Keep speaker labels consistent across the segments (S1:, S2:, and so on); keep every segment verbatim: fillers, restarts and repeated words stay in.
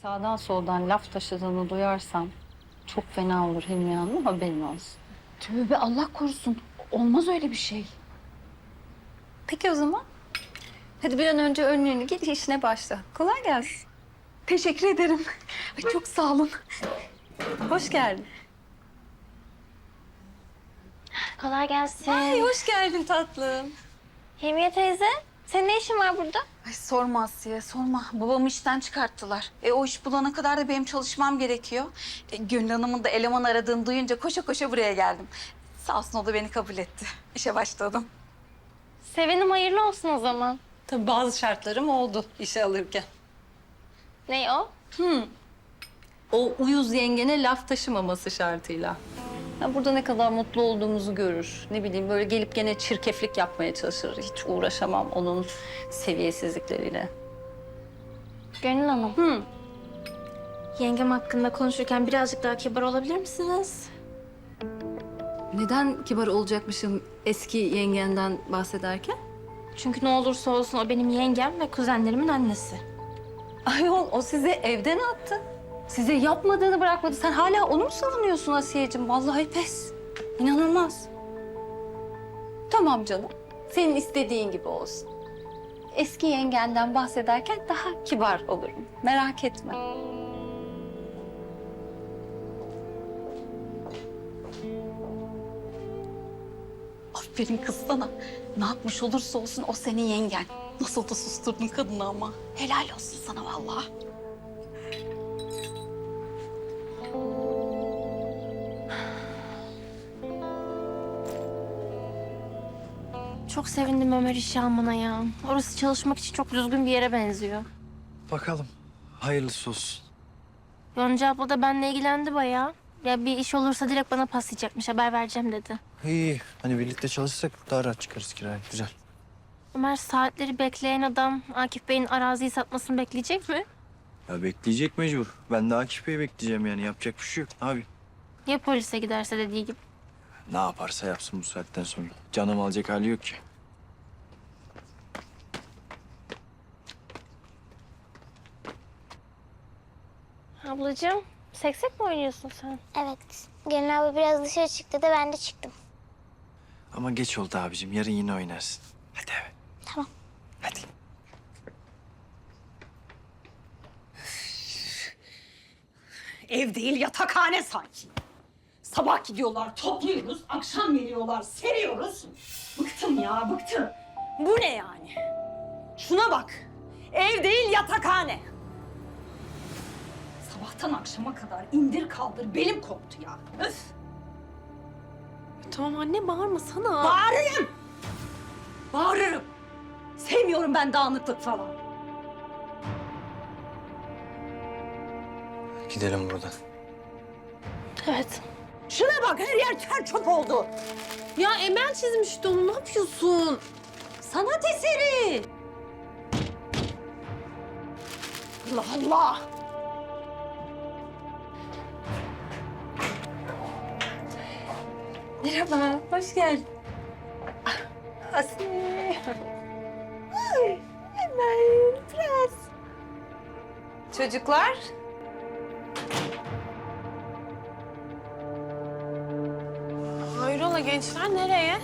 S1: sağdan soldan laf taşıdığını duyarsam çok fena olur Hilmi Hanım, haberin olsun.
S2: Tövbe Allah korusun. Olmaz öyle bir şey.
S1: Peki o zaman. Hadi bir an önce önlüğünü giy, işine başla. Kolay gelsin.
S2: Teşekkür ederim. Ay, çok sağ olun.
S1: Hoş geldin.
S3: Kolay gelsin.
S1: Ay hoş geldin tatlım.
S3: Hilmiye teyze, senin ne işin var burada?
S2: Ay sorma Asiye, sorma. Babamı işten çıkarttılar. E o iş bulana kadar da benim çalışmam gerekiyor. E, Gönül Hanım'ın da eleman aradığını duyunca koşa koşa buraya geldim. Sağ olsun o da beni kabul etti. İşe başladım.
S3: Sevenim hayırlı olsun o zaman.
S1: Tabii bazı şartlarım oldu işe alırken.
S3: Ne o?
S1: O uyuz yengene laf taşımaması şartıyla. Ya burada ne kadar mutlu olduğumuzu görür. Ne bileyim böyle gelip gene çirkeflik yapmaya çalışır. Hiç uğraşamam onun seviyesizlikleriyle.
S3: Gönül Hanım.
S1: Hı.
S3: Yengem hakkında konuşurken birazcık daha kibar olabilir misiniz?
S1: Neden kibar olacakmışım eski yengenden bahsederken?
S3: Çünkü ne olursa olsun o benim yengem ve kuzenlerimin annesi.
S1: Ayol o sizi evden attı. Size yapmadığını bırakmadı. Sen hala onu mu savunuyorsun Asiye'cim? Vallahi pes. İnanılmaz. Tamam canım. Senin istediğin gibi olsun. Eski yengenden bahsederken daha kibar olurum. Merak etme.
S2: Aferin kız sana. Ne yapmış olursa olsun o senin yengen. Nasıl da susturdun kadını ama. Helal olsun sana vallahi.
S3: Çok sevindim Ömer işe almana ya. Orası çalışmak için çok düzgün bir yere benziyor.
S4: Bakalım. Hayırlısı olsun.
S3: Yonca abla da benimle ilgilendi bayağı. Ya bir iş olursa direkt bana paslayacakmış, haber vereceğim dedi.
S4: İyi. Hani birlikte çalışsak daha rahat çıkarız kiraya. Güzel.
S3: Ömer saatleri bekleyen adam Akif Bey'in araziyi satmasını bekleyecek mi?
S4: Ya bekleyecek mecbur. Ben de Akif Bey'i bekleyeceğim yani. Yapacak bir şey yok. Abi.
S3: Ya polise giderse dediği gibi?
S4: Ne yaparsa yapsın bu saatten sonra. Canım alacak hali yok ki.
S3: Ablacığım, seksek mi oynuyorsun sen?
S5: Evet. Gelin abla biraz dışarı çıktı da ben de çıktım.
S4: Ama geç oldu abicim. Yarın yine oynarsın. Hadi eve.
S5: Tamam.
S4: Hadi.
S6: Ev değil yatakhane sanki. Sabah gidiyorlar topluyoruz, akşam geliyorlar seriyoruz. Bıktım ya bıktım. Bu ne yani? Şuna bak. Ev değil yatakhane. Sabahtan akşama kadar indir kaldır belim koptu ya. Öf.
S7: Tamam anne bağırmasana.
S6: Bağırırım. Bağırırım. Sevmiyorum ben dağınıklık falan.
S4: Gidelim buradan.
S3: Evet.
S6: Şuna bak her yer ter çöp oldu.
S7: Ya Emel çizmişti onu, ne yapıyorsun?
S6: Sanat eseri. Allah Allah.
S1: Merhaba, hoş geldin. Asiye. Ay, Emel, prens. Çocuklar.
S7: Hayrola gençler nereye?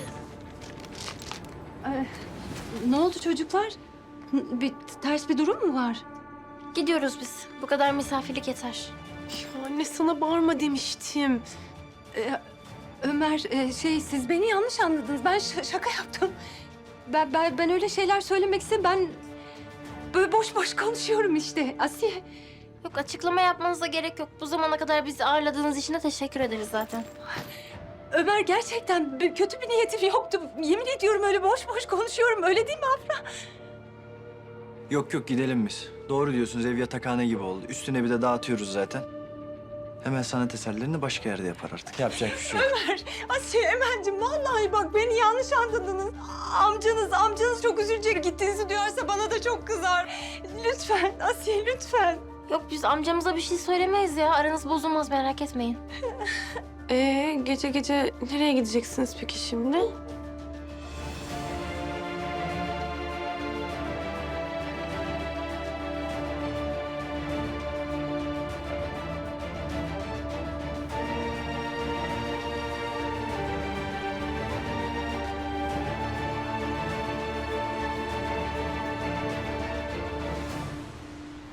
S1: Ne oldu çocuklar? Bir ters bir durum mu var?
S3: Gidiyoruz biz. Bu kadar misafirlik yeter.
S7: Ya anne sana bağırma demiştim.
S1: Ee, Ömer, e, şey siz beni yanlış anladınız. Ben ş- şaka yaptım. Ben, ben ben öyle şeyler söylemek istedim. Ben böyle boş boş konuşuyorum işte Asiye.
S3: Yok açıklama yapmanıza gerek yok. Bu zamana kadar bizi ağırladığınız için de teşekkür ederiz zaten.
S1: Ömer gerçekten bir- kötü bir niyetim yoktu. Yemin ediyorum öyle boş boş konuşuyorum. Öyle değil mi Afra?
S4: Yok yok gidelim biz. Doğru diyorsunuz. Ev yatakhane gibi oldu. Üstüne bir de dağıtıyoruz zaten. Hemen sanat eserlerini başka yerde yapar artık. Yapacak bir şey yok.
S1: Asiye, Emel'cim vallahi bak beni yanlış anladınız. Amcanız, amcanız çok üzülecek. Gittiğinizi duyarsa bana da çok kızar. Lütfen Asiye, lütfen.
S3: Yok biz amcamıza bir şey söylemeyiz ya. Aranız bozulmaz merak etmeyin.
S7: Ee gece gece nereye gideceksiniz peki şimdi?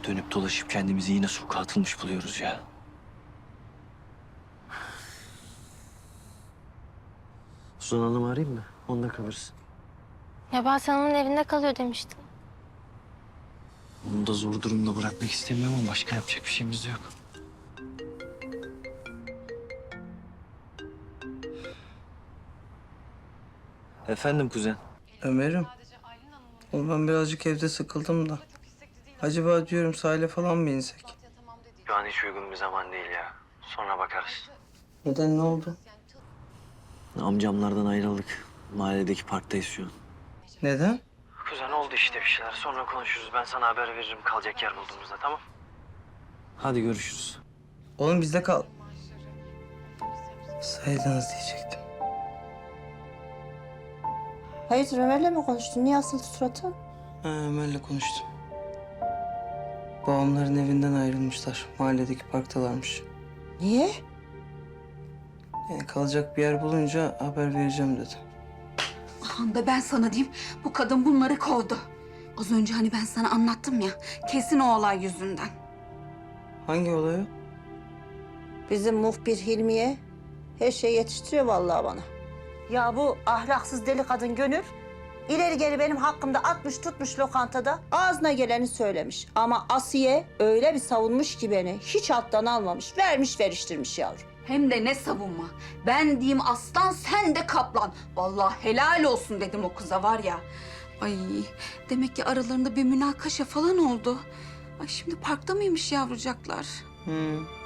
S4: Dönüp dolaşıp kendimizi yine sokağa atılmış buluyoruz ya. Suzan Hanım'ı arayayım mı? Onda kalırız.
S3: Ya ben Hanım'ın evinde kalıyor demiştim.
S4: Onu da zor durumda bırakmak istemiyorum ama başka yapacak bir şeyimiz de yok. Efendim kuzen.
S8: Ömer'im. Oğlum ben birazcık evde sıkıldım da. Acaba diyorum sahile falan mı insek?
S4: Şu an hiç uygun bir zaman değil ya. Sonra bakarız.
S8: Neden, ne oldu?
S4: Amcamlardan ayrıldık. Mahalledeki parktayız şu an.
S8: Neden?
S4: Kuzen oldu işte bir şeyler. Sonra konuşuruz. Ben sana haber veririm kalacak yer bulduğumuzda, tamam? Hadi görüşürüz.
S8: Oğlum bizde kal. Saydınız diyecektim.
S9: Hayırdır Ömer'le mi konuştun? Niye asıldı suratı?
S8: Ha, Ömer'le konuştum. Babamların evinden ayrılmışlar. Mahalledeki parktalarmış.
S9: Niye?
S8: Yani kalacak bir yer bulunca haber vereceğim dedi.
S2: Ahan da ben sana diyeyim, bu kadın bunları kovdu. Az önce hani ben sana anlattım ya, kesin o olay yüzünden.
S8: Hangi olayı?
S9: Bizim muhbir Hilmiye her şeyi yetiştiriyor vallahi bana. Ya bu ahlaksız deli kadın Gönül ileri geri benim hakkımda atmış tutmuş lokantada ağzına geleni söylemiş. Ama Asiye öyle bir savunmuş ki beni hiç alttan almamış, vermiş veriştirmiş yavrum.
S2: Hem de ne savunma. Ben diyeyim aslan, sen de kaplan. Vallahi helal olsun dedim o kıza var ya. Ay demek ki aralarında bir münakaşa falan oldu. Ay şimdi parkta mıymış yavrucaklar?
S8: Hmm.